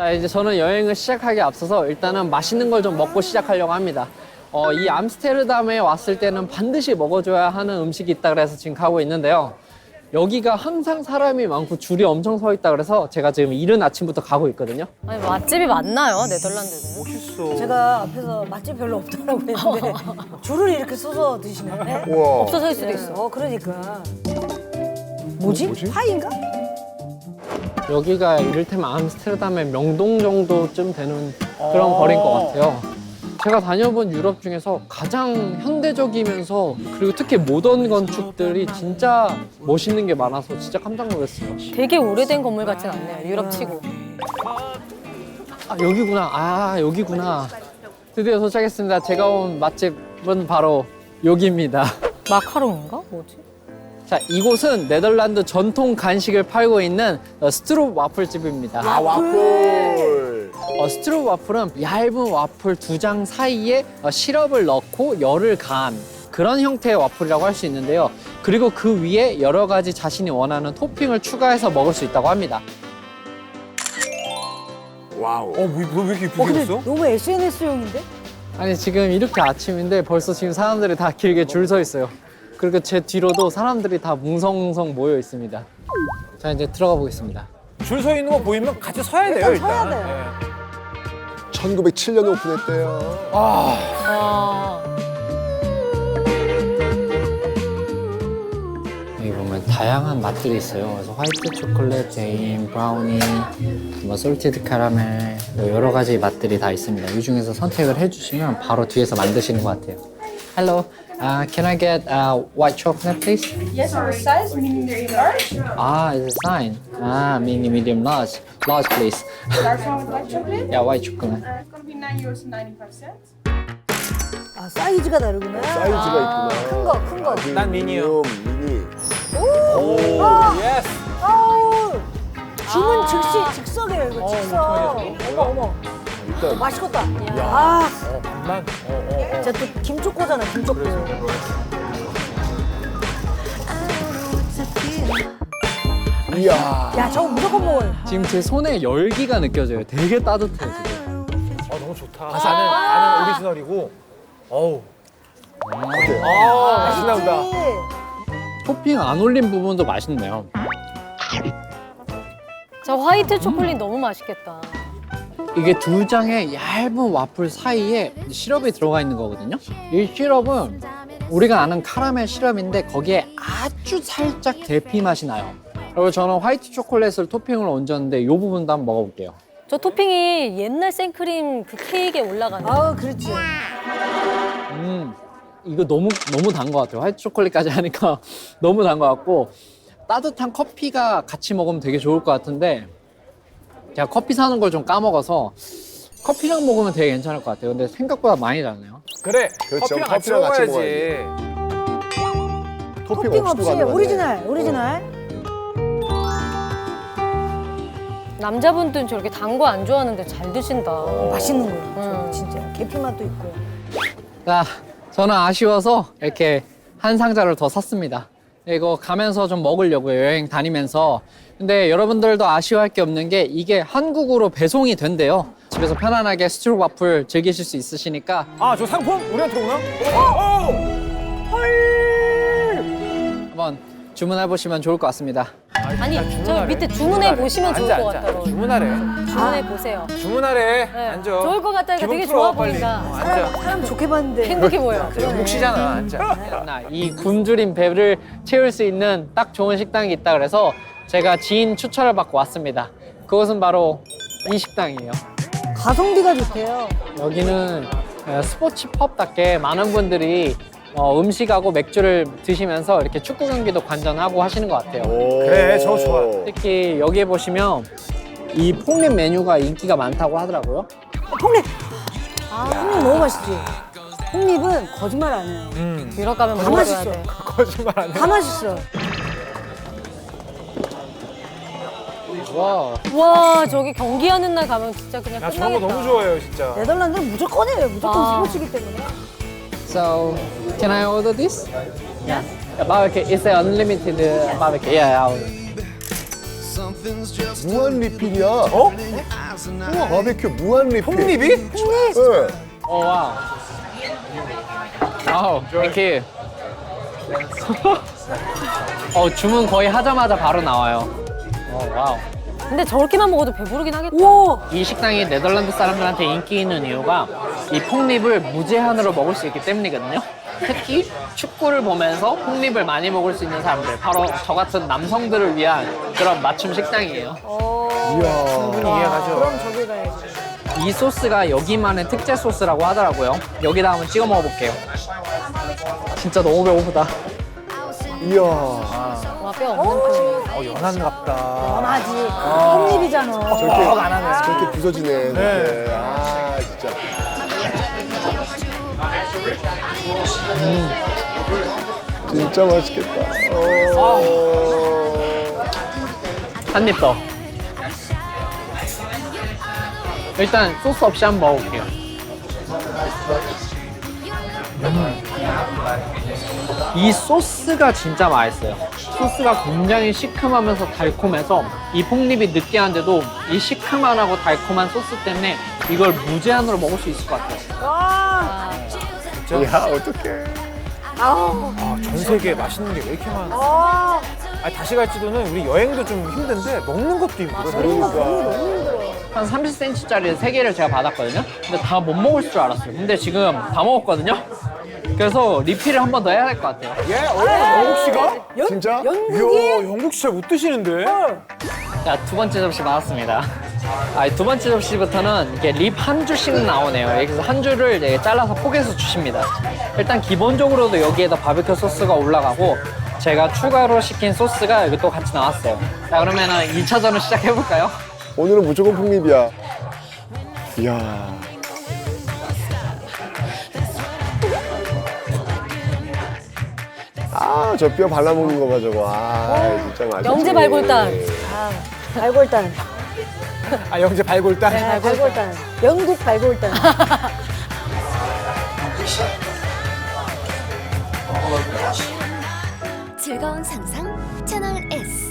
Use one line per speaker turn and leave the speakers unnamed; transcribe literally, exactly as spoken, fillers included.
자, 이제 저는 여행을 시작하기 앞서서 일단은 맛있는 걸 좀 먹고 시작하려고 합니다. 어, 이 암스테르담에 왔을 때는 반드시 먹어줘야 하는 음식이 있다 그래서 지금 가고 있는데요. 여기가 항상 사람이 많고 줄이 엄청 서 있다 그래서 제가 지금 이른 아침부터 가고 있거든요.
아니 맛집이 많나요, 네덜란드는?
멋있어.
제가 앞에서 맛집 별로 없다고 했는데 줄을 이렇게 서서 드시네.
우와.
없어서일 수도 있어.
어, 그러니까. 뭐지?
뭐지?
파인가?
여기가 이를테면 암스테르담의 명동 정도쯤 되는 그런 거리인 것 같아요. 제가 다녀본 유럽 중에서 가장 현대적이면서 그리고 특히 모던 건축들이 진짜 멋있는 게 많아서 진짜 깜짝 놀랐어요.
되게 오래된 건물 같진 않네요, 유럽치고.
아, 여기구나. 아, 여기구나. 드디어 도착했습니다. 제가 온 맛집은 바로 여기입니다.
마카롱인가? 뭐지?
자, 이곳은 네덜란드 전통 간식을 팔고 있는 어, 스트롭 와플집입니다.
아, 와플.
어, 스트롭 와플은 얇은 와플 두 장 사이에 어, 시럽을 넣고 열을 가한 그런 형태의 와플이라고 할 수 있는데요. 그리고 그 위에 여러 가지 자신이 원하는 토핑을 추가해서 먹을 수 있다고 합니다.
와우. 어, 왜, 왜 이렇게
어, 근데
예쁘게 했어?
너무 에스엔에스용인데?
아니, 지금 이렇게 아침인데 벌써 지금 사람들이 다 길게 줄 서 있어요. 그리고 제 뒤로도 사람들이 다 뭉성뭉성 모여 있습니다. 자, 이제 들어가 보겠습니다.
줄 서 있는 거 보이면 같이 서야 돼요,
일단
일단.
서야 돼.
천구백칠 년에 오픈했대요.
아,
아,
여기 보면 다양한 맛들이 있어요. 그래서 화이트 초콜릿, 베인, 브라우니, 뭐 솔티드 카라멜 여러 가지 맛들이 다 있습니다. 이 중에서 선택을 해주시면 바로 뒤에서 만드시는 것 같아요. Hello, uh, can I get uh, white chocolate, please?
Yes, our size, medium, medium, large.
Ah, it's a sign. Ah, mini, medium, large. Large, please.
Large one with white chocolate.
Yeah, white chocolate.
Uh, it's gonna be nine euros and ninety-five cents.
아, 사이즈가 다르구나.
사이즈가 있구나.
큰 거, 큰 거.
난 미니요.
미니.
오, 예스.
아우! 주문 즉시, 즉석이에요, 이거
어,
즉석.
어떡하냐.
어머, 어머.
일단
맛있겠다. 아,
어, 반만. 어, 어, 어.
제가 또 김초코잖아, 김초코.
이야.
야, 저거 무조건 먹어요.
지금 제 손에 열기가 느껴져요. 되게 따뜻해요, 지금.
아, 너무 좋다. 나는, 나는 오리지널이고. 어우. 아, 맛있나 보다.
맛있지?
토핑 안 올린 부분도 맛있네요.
저 화이트 초콜릿 너무 맛있겠다.
이게 두 장의 얇은 와플 사이에 시럽이 들어가 있는 거거든요. 이 시럽은 우리가 아는 카라멜 시럽인데 거기에 아주 살짝 대피 맛이 나요. 그리고 저는 화이트 초콜릿을 토핑으로 얹었는데 이 부분도 한번 먹어볼게요.
저 토핑이 옛날 생크림 그 케이크에 올라가는.
아우, 그렇지.
음, 이거 너무 너무 단 것 같아요. 화이트 초콜릿까지 하니까 너무 단 것 같고 따뜻한 커피가 같이 먹으면 되게 좋을 것 같은데 제가 커피 사는 걸 좀 까먹어서 커피랑 먹으면 되게 괜찮을 것 같아요. 근데 생각보다 많이 다네요.
그래.
그렇죠.
커피랑 같이
커피랑 같이
먹어야지.
토핑,
토핑
없이도
없이
가능하네.
오리지널, 오리지널.
남자분들은 저렇게 단 거 안 좋아하는데 잘 드신다.
맛있는 거예요. 저거
음.
진짜. 계피 맛도 있고.
자, 저는 아쉬워서 이렇게 한 상자를 더 샀습니다. 이거 가면서 좀 먹으려고요, 여행 다니면서. 근데 여러분들도 아쉬워할 게 없는 게 이게 한국으로 배송이 된대요. 집에서 편안하게 스트롭 와플 즐기실 수 있으시니까
아, 저 상품 우리한테 오나? 어!
한번 주문해 보시면 좋을 것 같습니다.
아니,
아,
저
주문하래.
밑에 주문해 보시면 좋을
앉아,
것
앉아.
같아요.
주문하래.
주문해 보세요.
주문하래.
네,
앉아.
좋을 것 같다니까
기분
되게
풀어,
좋아
빨리.
보인다.
어,
사람,
앉아.
사람 좋게 봤는데.
행복해 보여.
묵시잖아. 앉아.
나 이 굶주린 배를 채울 수 있는 딱 좋은 식당이 있다 그래서 제가 지인 추천을 받고 왔습니다. 그것은 바로 이 식당이에요.
가성비가 좋대요.
여기는 어, 스포츠 펍답게 많은 분들이 어, 음식하고 맥주를 드시면서 이렇게 축구 경기도 관전하고 하시는 것 같아요.
그래, 저거 좋아.
특히 여기에 보시면 이 폭립 메뉴가 인기가 많다고 하더라고요.
폭립! 아, 폭립 너무 맛있지? 폭립은 거짓말 안 해요.
음.
유럽 가면
다
먹어줘야
맛있어.
돼.
거짓말 안 해.
다 맛있어.
와,
와, 저기 경기하는 날 가면 진짜 그냥
나
끝나겠다.
저런 거 너무 좋아해요, 진짜.
네덜란드는 무조건 해요. 무조건
아.
스포츠이기 때문에.
so can I order this? Yeah. Yeah, barbecue. It's a unlimited uh, barbecue. Yeah, I'll...
무한 리필이야.
어?
바베큐 무한 리필.
콩잎이?
네.
어, 와우. 와우, 땡큐. 어, 주문 거의 하자마자 바로 나와요. 어, 와우.
근데 저렇게만 먹어도 배부르긴 하겠다.
우와.
이 식당이 네덜란드 사람들한테 인기 있는 이유가 이 폭립을 무제한으로 먹을 수 있기 때문이거든요. 특히 축구를 보면서 폭립을 많이 먹을 수 있는 사람들, 바로 저 같은 남성들을 위한 그런 맞춤 식당이에요.
충분히 이해가죠.
그럼 저기 가야지.
이 소스가 여기만의 특제 소스라고 하더라고요. 여기다 한번 찍어 먹어볼게요. 진짜 너무 배고프다.
이야.
와, 뼈 없는 편.
어, 연한갑다.
원하지. 콩잎이잖아.
저렇게
어, 안 하네.
저렇게 부서지네.
네.
네. 아 진짜. 음. 진짜 맛있겠다. 어.
한 입 더. 일단 소스 없이 한번 먹어볼게요. 음. 이 소스가 진짜 맛있어요. 소스가 굉장히 시큼하면서 달콤해서 이 폭립이 느끼한데도 이 시큼하고 달콤한 소스 때문에 이걸 무제한으로 먹을 수 있을 것 같아요.
와.
야 어떡해.
아우.
아, 전 세계에 맛있는 게 왜 이렇게 많아?
아.
아니, 다시 갈지도는 우리 여행도 좀 힘든데 먹는 것도 힘들어.
그러니까.
한 삼십 센티미터짜리 세 개를 제가 받았거든요. 근데 다 못 먹을 줄 알았어요. 근데 지금 다 먹었거든요. 그래서 리필을 한 번 더 해야 될 것 같아요.
예? 어, 영국 씨가?
연,
진짜?
연국이?
이야, 영국 씨 잘 못 드시는데?
자, 두 번째 접시 나왔습니다. 아, 두 번째 접시부터는 이게 립 한 줄씩 나오네요. 그래서 한 줄을 이제 잘라서 포개서 주십니다. 일단 기본적으로도 여기에다 바베큐 소스가 올라가고 제가 추가로 시킨 소스가 여기 또 같이 나왔어요. 자, 그러면은 이 차전을 시작해볼까요?
오늘은 무조건 폭립이야. 이야. 아, 저 뼈 발라먹는 거 봐, 저거. 아, 진짜 맛있지.
영재 발골단.
아, 발골단.
아, 영재 발골단?
네, 발골단. 영국 발골단.
즐거운 상상 채널 S.